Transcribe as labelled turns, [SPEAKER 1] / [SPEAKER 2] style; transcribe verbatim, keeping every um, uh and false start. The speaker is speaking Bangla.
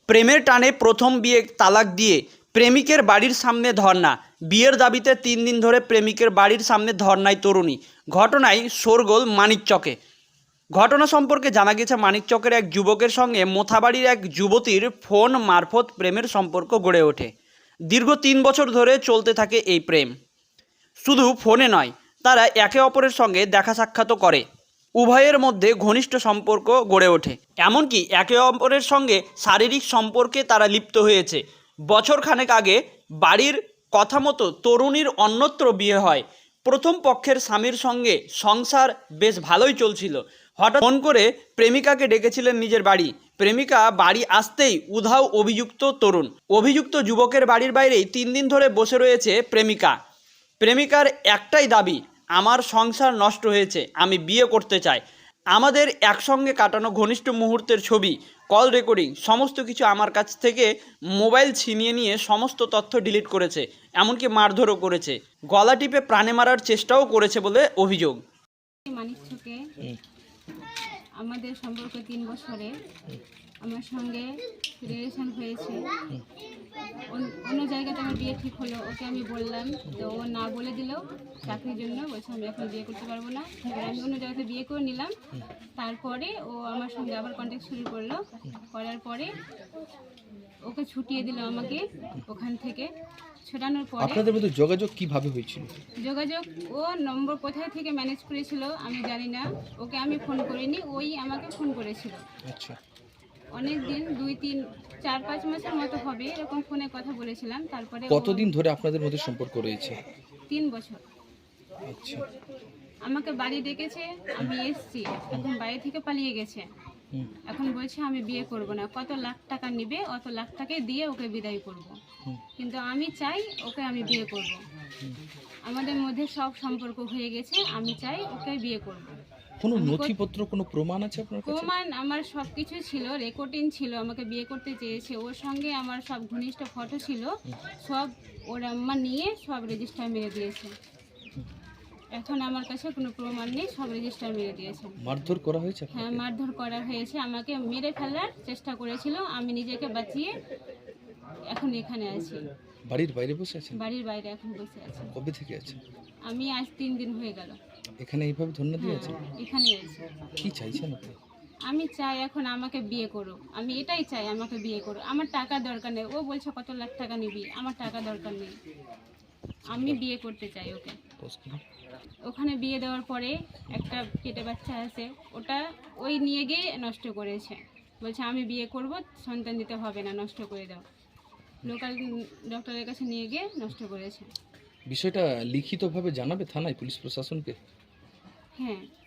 [SPEAKER 1] প্রেমের টানে প্রথম বিয়ে তালাক দিয়ে প্রেমিকের বাড়ির সামনে ধর্না। বিয়ের দাবিতে তিন দিন ধরে প্রেমিকের বাড়ির সামনে ধর্নায় তরুণী। ঘটনায় শোরগোল মানিকচকে। ঘটনা সম্পর্কে জানা গেছে, মানিকচকের এক যুবকের সঙ্গে মোথাবাড়ির এক যুবতীর ফোন মারফত প্রেমের সম্পর্ক গড়ে ওঠে। দীর্ঘ তিন বছর ধরে চলতে থাকে এই প্রেম। শুধু ফোনে নয়, তারা একে অপরের সঙ্গে দেখা সাক্ষাৎও করে। উভয়ের মধ্যে ঘনিষ্ঠ সম্পর্ক গড়ে ওঠে, এমনকি একে অপরের সঙ্গে শারীরিক সম্পর্কে তারা লিপ্ত হয়েছে। বছর খানেক আগে বাড়ির কথা মতো তরুণীর অন্যত্র বিয়ে হয়। প্রথম পক্ষের স্বামীর সঙ্গে সংসার বেশ ভালোই চলছিল। হঠাৎ ফোন করে প্রেমিকাকে ডেকেছিলেন নিজের বাড়ি। প্রেমিকা বাড়ি আসতেই উধাও অভিযুক্ত তরুণ। অভিযুক্ত যুবকের বাড়ির বাইরেই তিন দিন ধরে বসে রয়েছে প্রেমিকা। প্রেমিকার একটাই দাবি, আমার সংসার নষ্ট হয়েছে, আমি বিয়ে করতে চাই। আমাদের একসঙ্গে কাটানো ঘনিষ্ঠ মুহূর্তের ছবি, কল রেকর্ডিং সমস্ত কিছু আমার কাছ থেকে মোবাইল ছিনিয়ে নিয়ে সমস্ত তথ্য ডিলিট করেছে, এমনকি মারধরও করেছে, গলা টিপে প্রাণে মারার চেষ্টাও করেছে বলে অভিযোগ।
[SPEAKER 2] মানিকচকে আমাদের সম্পর্ক তিন বছরে আমার সঙ্গে রিলেশন হয়েছে। অন্য জায়গাতে আমার বিয়ে ঠিক হলো, ওকে আমি বললাম, তো ও না বলে দিল চাকরির জন্য, বলছে আমি এখন বিয়ে করতে পারবো না। এবার আমি অন্য জায়গাতে বিয়ে করে নিলাম। তারপরে ও আমার সঙ্গে আবার কন্ট্যাক্ট শুরু করলো। করার পরে ওকে ছুটিয়ে দিল আমাকে ওখান থেকে। ছোটানোর পরে
[SPEAKER 3] আপনাদের মধ্যে যোগাযোগ কিভাবে হয়েছিল?
[SPEAKER 2] যোগাযোগ ও নম্বর কোথায় থেকে ম্যানেজ করেছিল আমি জানি না, ওকে আমি ফোন করিনি, ওই আমাকে ফোন করেছিল।
[SPEAKER 3] আচ্ছা,
[SPEAKER 2] অনেক দিন, দুই তিন চার পাঁচ মাসের মতো হবে এরকম ফোনে কথা বলেছিলাম। তারপরে
[SPEAKER 3] কতদিন ধরে আপনাদের মধ্যে সম্পর্ক রয়েছে?
[SPEAKER 2] তিন বছর।
[SPEAKER 3] আচ্ছা,
[SPEAKER 2] আমাকে বাড়ি ডেকেছে, আমি এসছি, এখন বাড়ি থেকে পালিয়ে গেছে। এখন বলছে আমি বিয়ে করব না, কত লাখ টাকা নেবে, অত লাখ টাকা দিয়ে ওকে বিদায় করব। কিন্তু আমি চাই ওকে আমি বিয়ে করব। আমাদের মধ্যে সব সম্পর্ক হয়ে গেছে, আমি চাই ওকে বিয়ে করব।
[SPEAKER 3] কোনো নথিপত্র, কোনো প্রমাণ আছে আপনার কাছে?
[SPEAKER 2] প্রমাণ আমার সব কিছু ছিল, রেকর্ডিং ছিল, আমাকে বিয়ে করতে চেয়েছে, ওর সঙ্গে আমার সব ঘনিষ্ঠ ফটো ছিল, সব ওর আম্মা নিয়ে সব রেজিস্টার মেরে দিয়েছে। এখন আমার কাছে কোনো প্রমাণ নেই, সব রেজিস্টার মেরে দিয়েছে।
[SPEAKER 3] মারধর করা হয়েছে?
[SPEAKER 2] হ্যাঁ, মারধর করা হয়েছে, আমাকে মেরে ফেলার চেষ্টা করেছিল, আমি নিজেকে বাঁচিয়ে এখন এখানে আছি।
[SPEAKER 3] বাড়ির বাইরে বসে আছেন?
[SPEAKER 2] বাড়ির বাইরে এখন বসে আছি।
[SPEAKER 3] কবে থেকে আছেন?
[SPEAKER 2] আমি আজ তিন দিন হয়ে গেল
[SPEAKER 3] এখানে এইভাবে ধন্যবাদ দিয়ে আছেন?
[SPEAKER 2] এখানে আছি।
[SPEAKER 3] কি চাইছেন আপনি?
[SPEAKER 2] আমি চাই এখন আমাকে বিয়ে করো, আমি এটাই চাই, আমাকে বিয়ে করো। আমার টাকা দরকার নেই, ও বলছে কত লাখ টাকা নিবি, আমার টাকা দরকার নেই, আমি বিয়ে করতে চাই ওকে। ওখানে বিয়ে দেওয়ার পরে একটা পেটে বাচ্চা আছে, ওটা ওই নিয়ে গিয়ে নষ্ট করেছে। বলছে আমি বিয়ে করব, সন্তান দিতে হবে না, নষ্ট করে দাও। লোকাল ডক্টরের কাছে নিয়ে গিয়ে নষ্ট করেছে।
[SPEAKER 3] বিষয়টা লিখিতভাবে জানাবে থানায়, পুলিশ প্রশাসনকে?
[SPEAKER 2] হ্যাঁ।